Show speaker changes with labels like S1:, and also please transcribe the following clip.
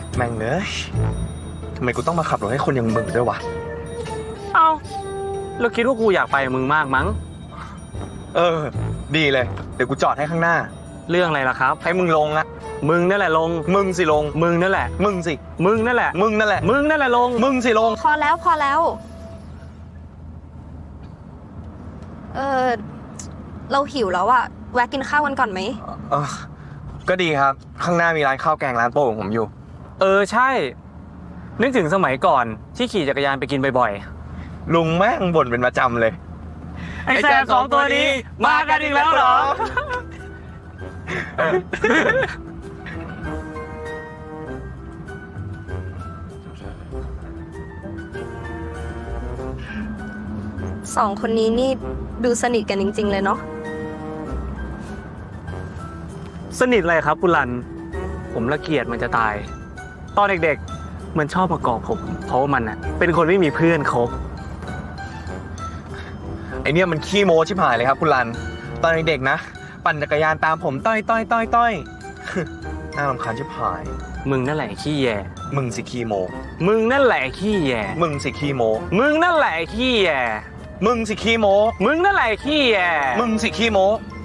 S1: แม่งเอ้ยทำไมกูต้องมาขับรถให้คนอย่างมึงด้วยวะ
S2: เอ้าแล้วคิดว่ากูอยากไปกับมึงมากมั้ง
S1: ดีเลย เดี๋ยวกูจอดให้ข้างหน้า
S2: เรื่องอะไรล่ะครับ
S1: ให้มึงลงอะ
S2: มึงนั่นแหละลง
S1: มึงสิลง
S2: มึงนั่นแหละ
S1: มึงสิ
S2: มึงนั่นแหละ
S1: มึงนั่นแหละ
S2: มึงนั่นแหละลง
S1: มึงสิลง
S3: พอแล้วพอแล้ว เราหิวแล้วอะแวะกินข้าวกันก่อนไหม
S1: ก็ดีครับ ข้างหน้ามีร้านข้าวแกงร้านโปรดของผมอยู่
S2: ใช่ นึกถึงสมัยก่อนที่ขี่จักรยานไปกินบ่อย
S1: ลุงแม่งบ่นเป็นประจำเลย
S2: ๆ ไอ้แซ่สองตัวนี้มากันอีกแล้วเหรอ
S3: สองคนนี้นี่ดูสนิทกันจริงๆเลยเนาะ
S2: สนิทอะไรครับคุณรัน ผมละเกียดมันจะตาย ตอนเด็กๆ มันชอบมาเกาะผม เพราะว่ามันเป็นคนไม่มีเพื่อนคบ
S1: ไอเนี่ยมันขี้โม้ชิบหายเลยครับคุณรัน ตอนเด็กๆนะ ปั่นจักรยานตามผมต้อย น่ารำคาญชิบหาย
S2: มึงนั่นแหละขี้แย่
S1: มึงสิขี้โม้
S2: มึงนั่นแหละขี้แย่
S1: มึงสิขี้โม้
S2: มึงนั่นแหละขี้แย่
S1: มึงสิขี้โม้
S2: มึงนั่นแหละขี้แย่
S1: มึงสิขี้โม้